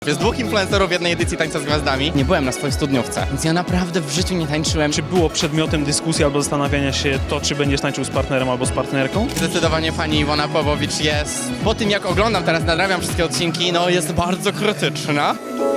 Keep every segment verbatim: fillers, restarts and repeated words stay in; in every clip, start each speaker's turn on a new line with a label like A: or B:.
A: Jest dwóch influencerów w jednej edycji Tańca z Gwiazdami. Nie byłem na swojej studniówce, więc ja naprawdę w życiu nie tańczyłem.
B: Czy było przedmiotem dyskusji albo zastanawiania się to, czy będziesz tańczył z partnerem albo z partnerką?
A: Zdecydowanie pani Iwona Pawłowicz jest, po tym jak oglądam teraz, nadrabiam wszystkie odcinki, no jest bardzo krytyczna.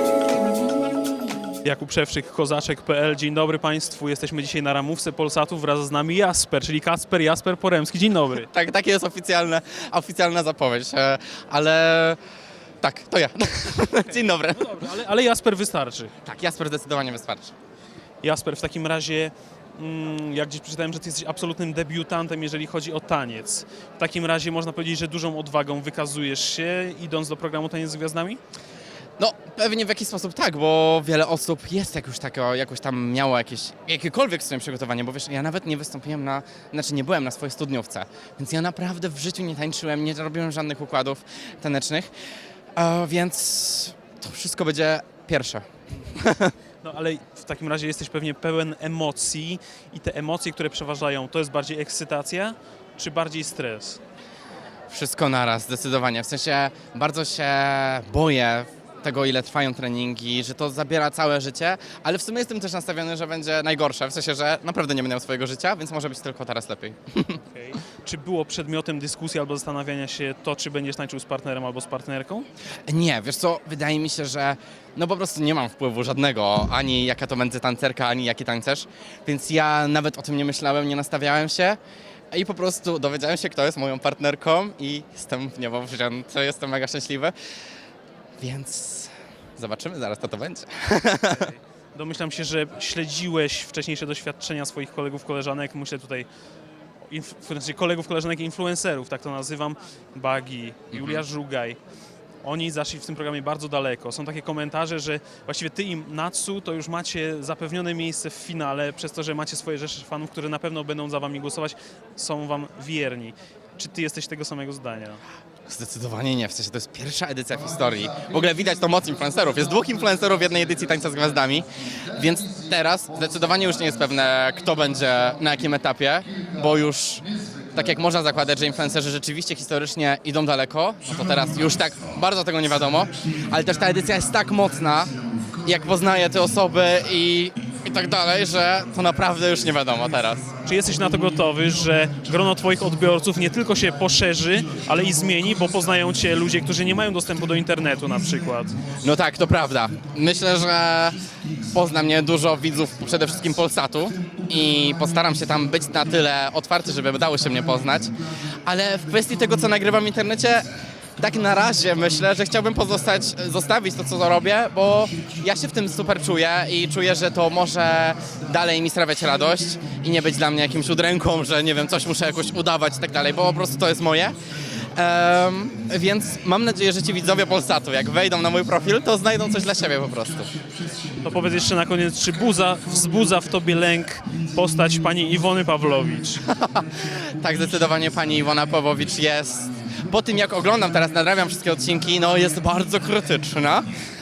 B: Jakub Szewczyk, kozaczek kropka pe el. Dzień dobry Państwu. Jesteśmy dzisiaj na ramówce Polsatu. Wraz z nami Jasper, czyli Kacper Jasper Poremski. Dzień dobry.
A: Tak, takie jest oficjalne, oficjalna zapowiedź, e, ale tak, to ja. Dzień dobry.
B: No dobra, ale, ale Jasper wystarczy.
A: Tak, Jasper zdecydowanie wystarczy.
B: Jasper, w takim razie, mm, jak gdzieś przeczytałem, że Ty jesteś absolutnym debiutantem, jeżeli chodzi o taniec. W takim razie można powiedzieć, że dużą odwagą wykazujesz się, idąc do programu Taniec z Gwiazdami?
A: No, pewnie w jakiś sposób tak, bo wiele osób jest jak już takiego, jakoś tam miało jakieś, jakiekolwiek swoje przygotowanie, bo wiesz, ja nawet nie wystąpiłem na, znaczy nie byłem na swojej studniówce, więc ja naprawdę w życiu nie tańczyłem, nie robiłem żadnych układów tanecznych, e, więc to wszystko będzie pierwsze.
B: No ale w takim razie jesteś pewnie pełen emocji i te emocje, które przeważają, to jest bardziej ekscytacja, czy bardziej stres?
A: Wszystko naraz, zdecydowanie, w sensie bardzo się boję tego, ile trwają treningi, że to zabiera całe życie, ale w sumie jestem też nastawiony, że będzie najgorsze, w sensie, że naprawdę nie będę miał swojego życia, więc może być tylko teraz lepiej.
B: Okay. Czy było przedmiotem dyskusji albo zastanawiania się to, czy będziesz tańczył z partnerem albo z partnerką?
A: Nie, wiesz co, wydaje mi się, że no po prostu nie mam wpływu żadnego, ani jaka to będzie tancerka, ani jaki tancerz, więc ja nawet o tym nie myślałem, nie nastawiałem się i po prostu dowiedziałem się, kto jest moją partnerką i jestem w niebo wzięty, jestem mega szczęśliwy, więc zobaczymy zaraz, co to będzie.
B: Domyślam się, że śledziłeś wcześniejsze doświadczenia swoich kolegów, koleżanek, myślę tutaj o inf- kolegów, koleżanek i influencerów, tak to nazywam, Bagi, Julia Żugaj. Oni zaszli w tym programie bardzo daleko. Są takie komentarze, że właściwie ty i Natsu to już macie zapewnione miejsce w finale, przez to, że macie swoje rzesze fanów, które na pewno będą za wami głosować, są wam wierni. Czy ty jesteś tego samego zdania?
A: Zdecydowanie nie, w sensie to jest pierwsza edycja w historii. W ogóle widać to moc influencerów. Jest dwóch influencerów w jednej edycji Tańca z Gwiazdami, więc teraz zdecydowanie już nie jest pewne, kto będzie na jakim etapie, bo już tak jak można zakładać, że influencerzy rzeczywiście historycznie idą daleko, no to teraz już tak bardzo tego nie wiadomo, ale też ta edycja jest tak mocna, jak poznaję te osoby i, i tak dalej, że to naprawdę już nie wiadomo teraz.
B: Czy jesteś na to gotowy, że grono twoich odbiorców nie tylko się poszerzy, ale i zmieni, bo poznają cię ludzie, którzy nie mają dostępu do internetu na przykład?
A: No tak, to prawda. Myślę, że pozna mnie dużo widzów przede wszystkim Polsatu i postaram się tam być na tyle otwarty, żeby dało się mnie poznać, ale w kwestii tego, co nagrywam w internecie, tak na razie myślę, że chciałbym pozostać, zostawić to, co robię, bo ja się w tym super czuję i czuję, że to może dalej mi sprawiać radość i nie być dla mnie jakimś udręką, że nie wiem, coś muszę jakoś udawać i tak dalej, bo po prostu to jest moje. Um, więc mam nadzieję, że ci widzowie Polsatu, jak wejdą na mój profil, to znajdą coś dla siebie po prostu.
B: To powiedz jeszcze na koniec, czy buza, wzbudza w tobie lęk postać pani Iwony Pawłowicz?
A: Tak, zdecydowanie pani Iwona Pawłowicz jest, po tym jak oglądam teraz, nadrabiam wszystkie odcinki, no jest bardzo krytyczna.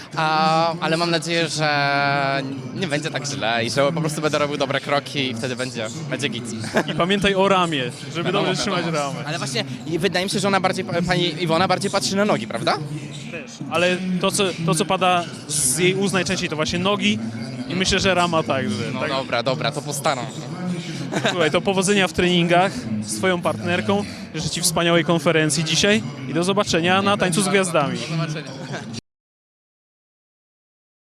A: A, ale mam nadzieję, że nie będzie tak źle i że po prostu będę robił dobre kroki i wtedy będzie, będzie git.
B: I pamiętaj o ramie, żeby
A: Wiadomo,
B: dobrze trzymać
A: wiadomo.
B: ramę.
A: Ale właśnie wydaje mi się, że ona bardziej, pani Iwona bardziej patrzy na nogi, prawda?
B: Też. Ale to co, to, co pada z jej ust najczęściej, to właśnie nogi i myślę, że rama także.
A: No
B: tak?
A: dobra, dobra, to postaram się.
B: Słuchaj, to powodzenia w treningach z twoją partnerką. Życzę ci wspaniałej konferencji dzisiaj i do zobaczenia na Tańcu z Gwiazdami.
A: Do zobaczenia.